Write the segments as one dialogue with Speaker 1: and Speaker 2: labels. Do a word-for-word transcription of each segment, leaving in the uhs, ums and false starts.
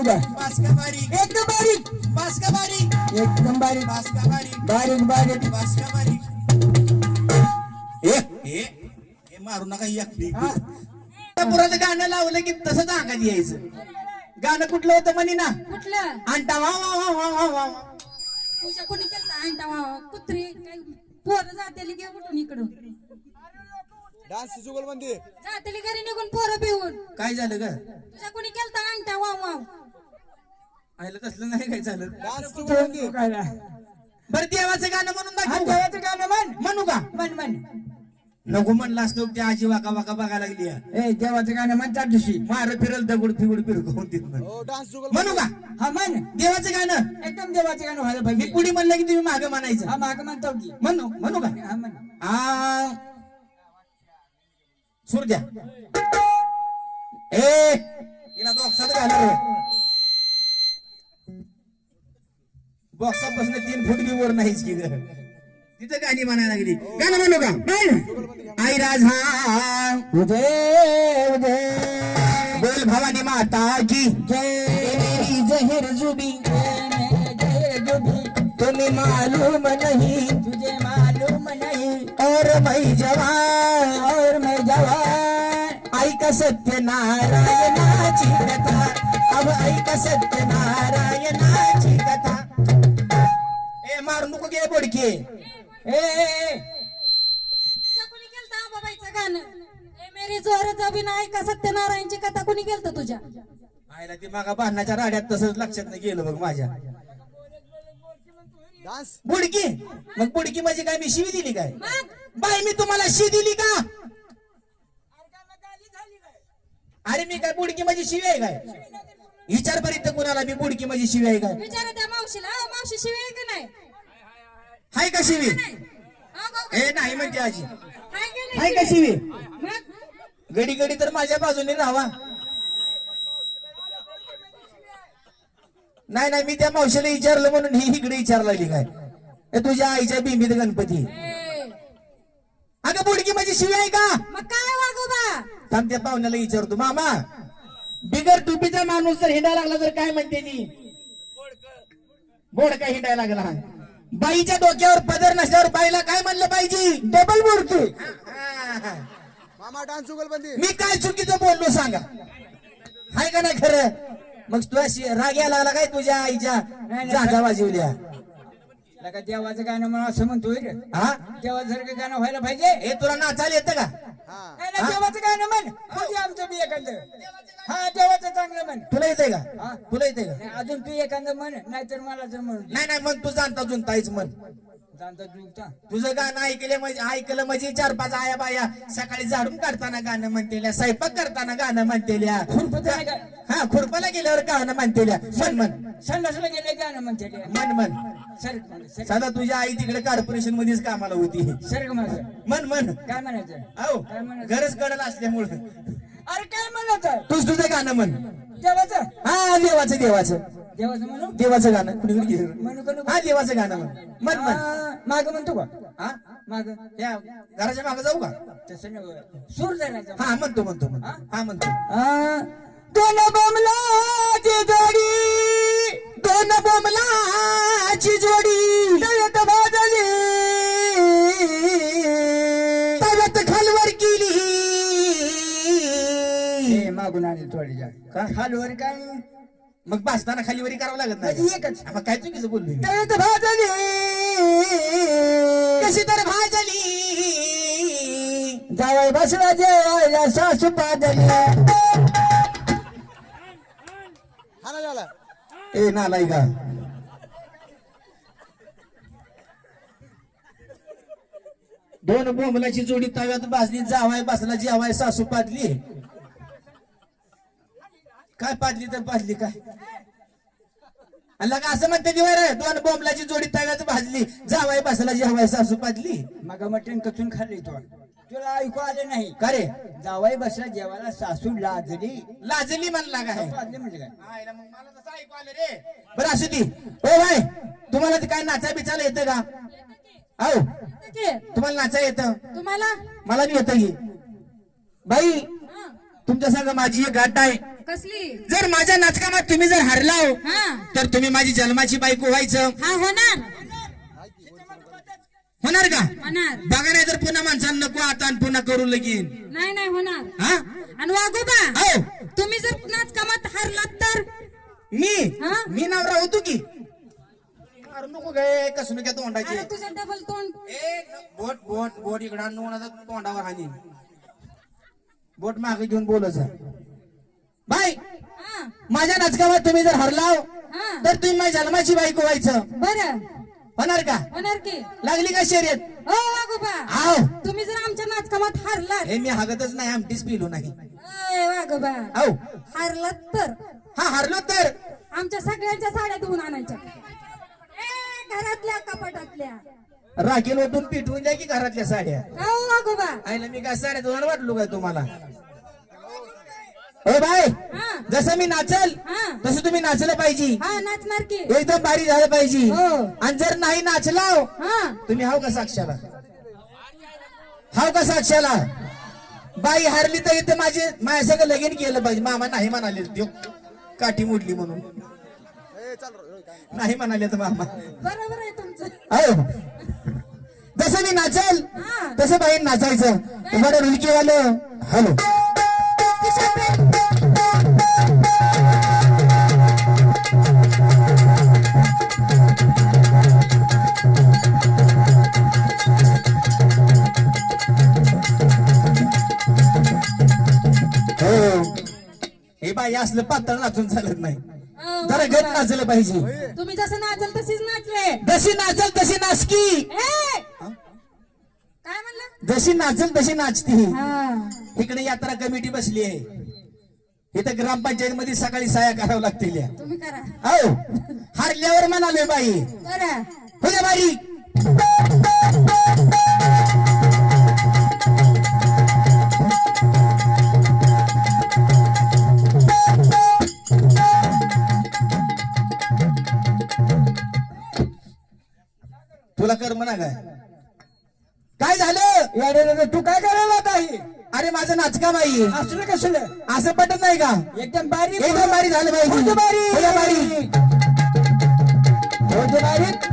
Speaker 1: द्या
Speaker 2: बासका बारीक
Speaker 1: एकदम बारीक
Speaker 2: बासका बारीक
Speaker 1: एकदम बारीक
Speaker 2: बासका बारीक
Speaker 1: बारीक बारीक
Speaker 2: बासका बारीक
Speaker 3: ए
Speaker 2: हे हे मारू नका एकटी
Speaker 1: हा.
Speaker 2: पुराचं गाणं लावलं की तसंच अंगात यायचं गाणं कुठलं होतं म्हणे ना
Speaker 4: कुठलं
Speaker 2: आणता वा वा वा वा वा वा
Speaker 4: तुझ्या कोणी केलं आणता वा कुत्री काय पोरं जातेली घे कुठून इकडून
Speaker 3: डान्स जुगलबंदी
Speaker 4: जातेली घरी निघून पोरं पिऊन
Speaker 2: काय झालं ग
Speaker 4: तुझ्या कोणी केलं आणता वा वा
Speaker 2: आयला तसलं नाही काय झालं
Speaker 3: डान्स जुगलबंदी
Speaker 1: काय ना
Speaker 2: बरं देवाचं गाणं म्हणून
Speaker 1: हा
Speaker 2: दाखव का?
Speaker 1: देवाचं गाणं म्हण
Speaker 2: म्हणू का
Speaker 1: म्हण म्हण
Speaker 2: नको म्हणला असतो त्या आजी वाका वाका बघायला लागली
Speaker 1: ए देवाचं गाणं म्हण त्या दिवशी
Speaker 2: मार फिरल दगड फिगड फिरकवून तिथनं
Speaker 3: हो डान्स जुगलबंदी
Speaker 2: म्हणू का
Speaker 1: हा म्हण
Speaker 2: देवाचं गाणं
Speaker 1: एकदम देवाचं गाणं व्हायला
Speaker 2: मी
Speaker 1: पाहिजे
Speaker 2: पुढे म्हणलं की तुम्ही मागं म्हणायचं
Speaker 1: हा माग म्हणतो की
Speaker 2: म्हणू म्हणू का
Speaker 1: हा म्हण
Speaker 2: आ सूर द्या ए हिला बॉक्सात घाला रे बॉक्सात बसणं तीन फूट बी वर नाहीच की ग तिथं गाणी म्हणायला लागली गाणं म्हणू का म्हण. आई राजा
Speaker 1: उदय उदय
Speaker 2: बोल भवानी माता की
Speaker 1: जय
Speaker 2: मेरी जहर जुबी
Speaker 1: मेरे जय जुबी
Speaker 2: तुम्हें मालूम नहीं
Speaker 1: तुझे मालूम नहीं
Speaker 2: और मैं जवान
Speaker 1: और मैं जवान
Speaker 2: ऐका सत्यनारायणाची कथा अब ऐका सत्यनारायणाची कथा ए मारू नको गे बोडके
Speaker 1: ए ए, ए
Speaker 4: तुझ्या कोणी केलं बाबाईचं गाणं ए मेरी जोराचा बिना ऐका सत्यनारायणची कथा कोणी केलं तुझ्या
Speaker 2: आयला ती मागा बांधण्याच्या राड्यात तसंच लक्षात नाही गेलं बघ माझ्या
Speaker 3: डान्स
Speaker 2: बुडकी मग बुडकी म्हणजे काय मी शिवी दिली काय
Speaker 4: मग
Speaker 2: बाई मी तुम्हाला शिवी दिली का अरे मी काय बुडकी माझी शिवी आहे काय विचार पर्यंत कुणाला मी बुडकी माझी शिवी आहे काय
Speaker 4: विचारा त्या मावशीला अहो, मावशी शिवाय का नाही
Speaker 2: हाय का शिवी
Speaker 4: अहो, भाऊ,
Speaker 2: ए नाही म्हणते आजी
Speaker 4: काय केलं
Speaker 2: हाय का शिवी
Speaker 4: मग
Speaker 2: गडी गडी तर माझ्या बाजूने राहावा नाही नाही मी त्या मावशीला विचारलं म्हणून ही इकडे विचारला लागली काय ए, तुझ्या आईच्या बिंबीत गणपती
Speaker 4: ए,
Speaker 2: अगं बुडकी माझी शिवी आहे का
Speaker 4: मग काय वागोबा
Speaker 2: थांब त्या पाहुण्याला विचारतो मामा बिगर टुपीचा माणूस जर हिंडायला लागला तर काय म्हणते ती बोड काय हिंडायला लागला बाईच्या डोक्यावर पदर नसल्यावर बाईला काय म्हणलं पाहिजे डबल बुडकी
Speaker 3: मामा डान्स जुगलबंदी
Speaker 2: मी काय चुकीचं बोललो सांगा हाय का नाही खरं मग तू अशी राग यायला लागला काय तुझ्या आईच्या जागा वाजवल्या
Speaker 1: लगा देवाचं गाणं म्हणून असं म्हणतोय रे
Speaker 2: हा
Speaker 1: देवासारखं गाणं व्हायला पाहिजे
Speaker 2: हे तुला नाचायला येतं का
Speaker 3: हा
Speaker 1: नाही ना देवाचं गाणं म्हण म्हणजे आमचं बी एखादं हा देवाचं चांगलं म्हण
Speaker 2: तुला येतंय का
Speaker 1: हा?
Speaker 2: तुला येतंय का
Speaker 1: नाही, अजून तू एखादं म्हण नाहीतर मला तर म्हणून
Speaker 2: नाही नाही मग तू जाणता जुनतायच म्हण
Speaker 1: जाणता जुगता
Speaker 2: तुझं गाणं ऐकलं म्हणजे ऐकलं म्हणजे चार पाच आया बाया सकाळी झाडून काढताना गाणं म्हणतेल्या स्वयंपाक करताना गाणं म्हणतेल्या
Speaker 1: खुरपत नाही का
Speaker 2: हा खुरपाला गेल्यावर गाणं म्हणतेल्या म्हण म्हण
Speaker 1: संडासला गेले गाणं म्हणते ते.
Speaker 2: म्हण म्हण
Speaker 1: सरक म्हण, सरक.
Speaker 2: सदा तुझ्या आई तिकडे कॉर्पोरेशन मध्येच कामाला होती
Speaker 1: सरक माझं
Speaker 2: म्हण म्हण
Speaker 1: काय म्हणायचं
Speaker 2: अहो
Speaker 1: काय म्हणायचं
Speaker 2: गरज कडल असल्यामुळं
Speaker 1: अरे काय म्हणायचं
Speaker 2: तूच तुझं गाणं म्हण
Speaker 1: देवाचं
Speaker 2: हा देवाचं देवाचं
Speaker 1: देवाचं म्हणू
Speaker 2: देवाचं गाणं कुणीकडे गेलं?
Speaker 1: म्हणू का नको?
Speaker 2: हा देवाचं गाणं म्हण म्हण म्हण
Speaker 1: आ, मागं म्हणतो का
Speaker 2: हा
Speaker 1: माग
Speaker 2: त्या घराच्या मागे जाऊ का
Speaker 1: तसं नव्हे सूर धरायचा
Speaker 2: हा म्हणतो म्हणतो म्हणतो हा म्हणतो
Speaker 1: आ, दोन बोमलाची जोडी
Speaker 2: दोन बोमलाची जोडी
Speaker 1: तळ्यात भाजली
Speaker 2: तव्यात खालवर केली
Speaker 1: हे मागून आली थोडी
Speaker 2: का?
Speaker 1: खालवर काय
Speaker 2: मग भासताना खालीवरी करावं लागत
Speaker 1: म्हणजे
Speaker 2: नाही
Speaker 1: एकच
Speaker 2: हा, मग काय चुकीचं बोललो मी?
Speaker 1: तळ्यात भाजली
Speaker 2: कशी तर भाजली
Speaker 1: जावई बसला जेवायला सासू पाजली
Speaker 3: हा ना झाला
Speaker 2: ए नालाय का दोन बोंबलाची जोडी तव्यात भाजली जावाय बसला जेवाय सासू पाजली काय पाजली तर पाजली काय का असं म्हणते दिवाय रे दोन बोंबलाची जोडी तव्यात भाजली जावाय बसला जेवाय सासू पाजली
Speaker 1: मग मटण कचून खाल्ली तो तुला ऐकू आले नाही
Speaker 2: का रे
Speaker 1: जावई बसला जेवायला सासू लाजली
Speaker 2: लाजली म्हणला काय
Speaker 1: पाजली म्हणजे काय
Speaker 2: आयला मग मला तसं ऐकू आलं रे बरं असू ती ओ भाई तुम्हाला ते काय नाचा बिचायला येतं का हो
Speaker 4: की,
Speaker 2: तुम्हाला नाचा येतं
Speaker 4: तुम्हाला
Speaker 2: मला बी येतं की बाई
Speaker 4: हा,
Speaker 2: तुमच्या संग माझी एक गाठ आहे
Speaker 4: कसली
Speaker 2: जर माझ्या नाचकामात तुम्ही जर हरलाव
Speaker 4: हा
Speaker 2: तर तुम्ही माझी जन्माची बायको व्हायचं
Speaker 4: हा होणार
Speaker 2: होणार का?
Speaker 4: होणार
Speaker 2: बघा नाही तर पुन्हा माणसांना नको आता आणि पुन्हा करू लगीन.
Speaker 4: नाही नाही होणार.
Speaker 2: हा
Speaker 4: आणि वागोबा
Speaker 2: हो
Speaker 4: तुम्ही जर नाच कामात हारलात तर
Speaker 2: मी
Speaker 4: हा?
Speaker 2: मी नवरा होतो की अरे नको गे कसं काय तोंडाची
Speaker 4: अरे तुझं डबल तोंड
Speaker 2: ए बोट बोट बोट इकडं आणून तोंडावर हानी बोट मागे घेऊन बोलच बाय.
Speaker 4: हा
Speaker 2: माझ्या नाचकामात तुम्ही जर हरलाव
Speaker 4: हा
Speaker 2: तर तुम्ही माझ्या जन्माची बायको व्हायचं
Speaker 4: बरं
Speaker 2: होणार का?
Speaker 4: होणार की
Speaker 2: लागली का शर्यत?
Speaker 4: हो वागोबा
Speaker 2: आव
Speaker 4: तुम्ही जर आमच्या नाचकामात हारलात
Speaker 2: हे मी हागतच नाही आमटीच पिलो नाही.
Speaker 4: अय वागोबा
Speaker 2: आव
Speaker 4: हारलात तर
Speaker 2: हा हरलो तर
Speaker 4: आमच्या सगळ्यांच्या साड्या धुवून आणायच्या ए, घरातल्या कपाटातल्या
Speaker 2: राखेल ओतून पिटवून द्या की घरातल्या साड्या.
Speaker 4: हो वागोबा
Speaker 2: आईला मी काय साड्या दोन वाटलो काय तुम्हाला? ओ बाय
Speaker 4: हा
Speaker 2: जसं मी नाचल
Speaker 4: हा
Speaker 2: तसं तुम्ही नाचलं पाहिजे.
Speaker 4: हा नाचणार की
Speaker 2: एकदम भारी झालं पाहिजे.
Speaker 4: हो.
Speaker 2: आणि जर नाही नाचलाव
Speaker 4: हा
Speaker 2: तुम्ही हाव का साक्षाला? हाव का साक्षाला? बाई हारली तर इथं माझे माझ्या सगळं लगीन केलं पाहिजे. मामा नाही म्हणाले त्यो काठी मोडली म्हणून
Speaker 3: ए, चल रे, काय नाही.
Speaker 2: नाही म्हणाले तर मामा.
Speaker 4: बरोबर आहे तुमचं
Speaker 2: हो जसं मी नाचल
Speaker 4: हा
Speaker 2: तसं बाई नाचायचं. तुम्हाला रुलकीवालं हॅलो हो हे बाई असलं पातळ नाचून चालत नाही.
Speaker 4: हो,
Speaker 2: जरा गट नाचलं पाहिजे.
Speaker 4: तुम्ही जसं नाचल तशीच नाचले
Speaker 2: जशी नाचल तशी नाचकी.
Speaker 4: ए! काय म्हणलं
Speaker 2: जशी नाचल तशी नाचती.
Speaker 4: हा
Speaker 2: इकडे यात्रा कमिटी बसली आहे. इथं ग्रामपंचायत मध्ये सकाळी साया करावं लागतील.
Speaker 4: तुम्ही करा
Speaker 2: हो हारल्यावर म्हणाले बाई
Speaker 4: बरं
Speaker 2: हो द्या बारी. तुला कर म्हणा काय काय झालं
Speaker 1: याडे तू काय करायला आता हे?
Speaker 2: अरे माझं नाचका बाई
Speaker 1: असलं कसलं
Speaker 2: असं पटत नाही का?
Speaker 1: एकदम बारीक
Speaker 2: एकदम बारी झालं पाहिजे.
Speaker 1: हो दे बारी.
Speaker 2: हो द्या बारी.
Speaker 1: हो दे बारीक.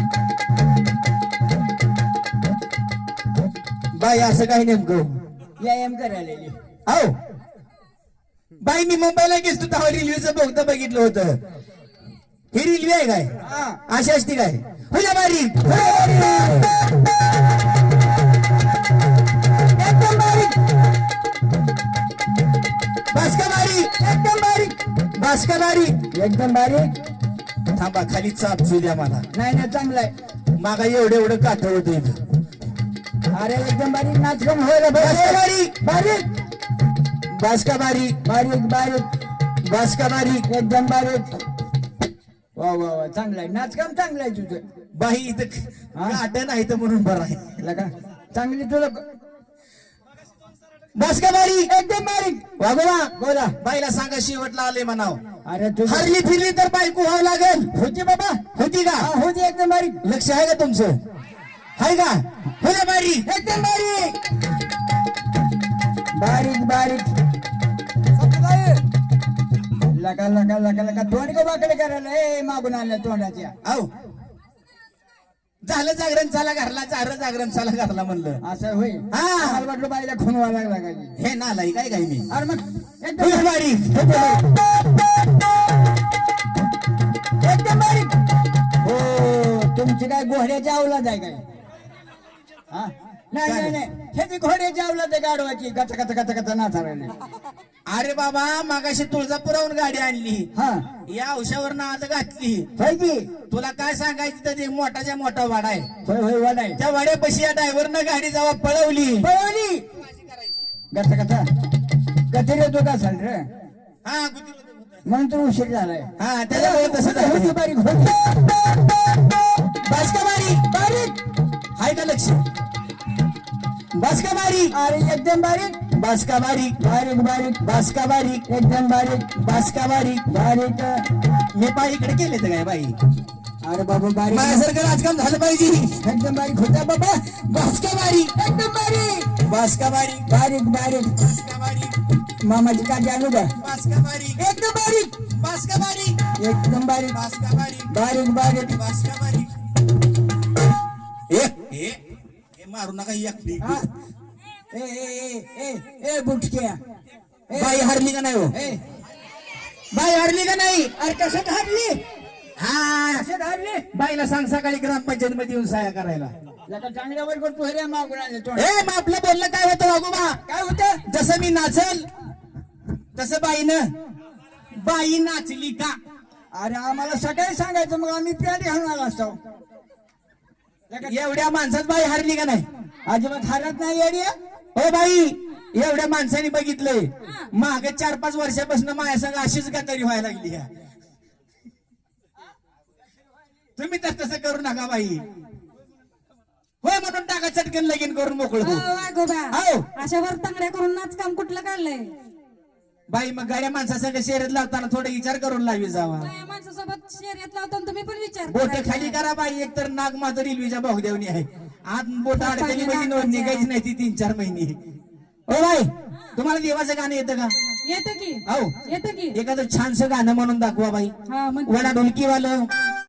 Speaker 2: बाई असं काही नेमकं
Speaker 1: व्यायाम करायला
Speaker 2: हो बाई मी मुंबईला गेलो तेव्हा रेल्वेचं बोगतं बघितलं होतं. ही रेल्वे आहे काय?
Speaker 1: हा
Speaker 2: अशी असती काय? हो द्या बारी.
Speaker 1: एकदम बारीक
Speaker 2: बासका बारी.
Speaker 1: एकदम बारीक
Speaker 2: बासका बारी.
Speaker 1: एकदम बारीक.
Speaker 2: थांबा खाली चाप झू द्या मला.
Speaker 1: नाही ना चांगलं आहे.
Speaker 2: मागा एवढं एवढं काठ होतं इथं.
Speaker 1: अरे एकदम बारीक नाच कम व्हायला
Speaker 2: बासका
Speaker 1: पाहिजे.
Speaker 2: बारी.
Speaker 1: बारीक
Speaker 2: बासका बारी.
Speaker 1: बारीक बारीक
Speaker 2: बासका बारी.
Speaker 1: एकदम बारीक. वा वा वा चांगलं आहे नाचकाम चांगलं आहे तुझं.
Speaker 2: बाई इथं काट नाही तर म्हणून बरं आहे.
Speaker 1: लगा चांगली तुला
Speaker 2: बासका बारी.
Speaker 1: एकदम बारीक.
Speaker 2: वागोबा
Speaker 1: बोला
Speaker 2: बाईला सांगा शेवटला आले म्हणाव.
Speaker 1: अरे तुझं
Speaker 2: हरली फिरली तर बायको व्हावं लागेल.
Speaker 1: होती बाबा
Speaker 2: होती का?
Speaker 1: हा होती एकदम बारीक.
Speaker 2: लक्ष आहे का तुमचं? आहे का? हो द्या बारी.
Speaker 1: एकदम बारीक बारीक बारीक.
Speaker 3: समजत आहे?
Speaker 1: लगा लगा लगा लगा तोंड का वाकडे करायला ए मागून आणल्या तोंडाच्या.
Speaker 2: आहो झालं जागरण चाला घरला झालं जागरण चाला घरला म्हणलं.
Speaker 1: असं होय.
Speaker 2: हा.
Speaker 1: मला वाटलं बाईला खुनवा लागला काय.
Speaker 2: हे नालाई काय काय मी
Speaker 1: अरे मग
Speaker 2: हो
Speaker 1: एकदम
Speaker 2: द्या बारी.
Speaker 1: एकदम बारीक. हो तुमची काय घोड्याची अवलाद आहे काय? हा नाही नाही नाही ह्याची घोड्याची अवलाद आहे गाडवाची कच कच कच कच नाचायला.
Speaker 2: अरे बाबा मागाशी तुळजापुराहून गाडी आणली.
Speaker 1: हा
Speaker 2: या औषावर नाद घातली.
Speaker 1: होय की
Speaker 2: तुला काय सांगायचं तर ते मोठाच्या मोठा वाडा आहे.
Speaker 1: होय होय वाडाय
Speaker 2: त्या वाड्यापाशी या ड्रायव्हरनं गाडी जेव्हा पळवली
Speaker 1: पळवली कच कच कचेरी होतो का चाल रे
Speaker 2: हा गुदी-
Speaker 1: म्हणून तर उशीर झालाय.
Speaker 2: हा त्याच्यामुळे तसं झालं.
Speaker 1: होती बारीक होती
Speaker 2: बासका बारी.
Speaker 1: बारीक.
Speaker 2: हाय का लक्ष? बासका बारी.
Speaker 1: अरे एकदम बारीक
Speaker 2: बासका बारी.
Speaker 1: बारीक बारीक
Speaker 2: बासका बारी.
Speaker 1: एकदम बारीक
Speaker 2: बासका बारी.
Speaker 1: बारीक.
Speaker 2: मी पाय इकडे केले तर काय बाई
Speaker 1: अरे बाबा बारीक
Speaker 2: माझ्यासारखं राजकाम झालं पाहिजे.
Speaker 1: एकदम बारीक होता बाबा.
Speaker 2: बासका बारी.
Speaker 1: एकदम बारीक
Speaker 2: बासका बारी.
Speaker 1: बारीक बारीक
Speaker 2: बासका बारी.
Speaker 1: मामाची काळजी आणू का
Speaker 2: बास का बारीक
Speaker 1: एकदम बारीक
Speaker 2: बास का बारीक
Speaker 1: एकदम बारीक
Speaker 2: बास का बारीक
Speaker 1: बारीक बारीक
Speaker 2: बास का बारीक ए ए ए मारू नका एकटी
Speaker 1: हा. ए ए ए ए ए बुटक्या ए,
Speaker 2: बाई हरली का नाही हो
Speaker 1: ए
Speaker 2: बाई हरली का नाही
Speaker 1: अरे कसं हरली
Speaker 2: हा
Speaker 1: कसं हरली
Speaker 2: बाईला सांग सकाळी ग्रामपंचायत मध्ये येऊन सहाय्य करायला
Speaker 1: लका चांगल्यावर करतो हे रे मागून आले तोंड.
Speaker 2: ए मग आपलं बोलणं काय होतं वागोबा
Speaker 1: काय होतं
Speaker 2: जसं मी नाचल तसं बाईनं बाई नाचली का
Speaker 1: अरे आम्हाला सकाळी सांगायचं मग आम्ही प्यारी घालून आला असतो लका,
Speaker 2: एवढ्या माणसात बाई हरली का नाही
Speaker 1: अजिबात हरत नाही येडी
Speaker 2: हो बाई एवढ्या माणसाने बघितलंय मागे चार पाच वर्षापासून माझ्या संग अशीच गतारी व्हायला लागली ह्या. तुम्ही तर तसं करू नका बाई होय म्हणून टाका चटकन लगीन करून मोकळ हो
Speaker 4: वाघोबा
Speaker 2: हो.
Speaker 4: अशा वर तांगड्या करून नाच काम कुठलं काढलंय
Speaker 2: बाई मग गाड्या माणसासंग शर्यत लावताना थोडा विचार करून लावी जावा
Speaker 4: बाया माणसासोबत शर्यत लावताना तुम्ही पण विचार
Speaker 2: बोट
Speaker 4: करायचा.
Speaker 2: खाली करा बाई एक तर नाग मात्र रेल्वेच्या भागदेवनी आहे आज बोट अडकली म्हणजे नोंद निघायची नाही ती तीन चार महिने हो बाई तुम्हाला देवाचं गाणं येतं का
Speaker 4: येतं की
Speaker 2: हो
Speaker 4: येतं की
Speaker 2: एखादं छानसं गाणं म्हणून दाखवा बाई
Speaker 4: हा म्हणते.
Speaker 2: वडा ढोलकीवालं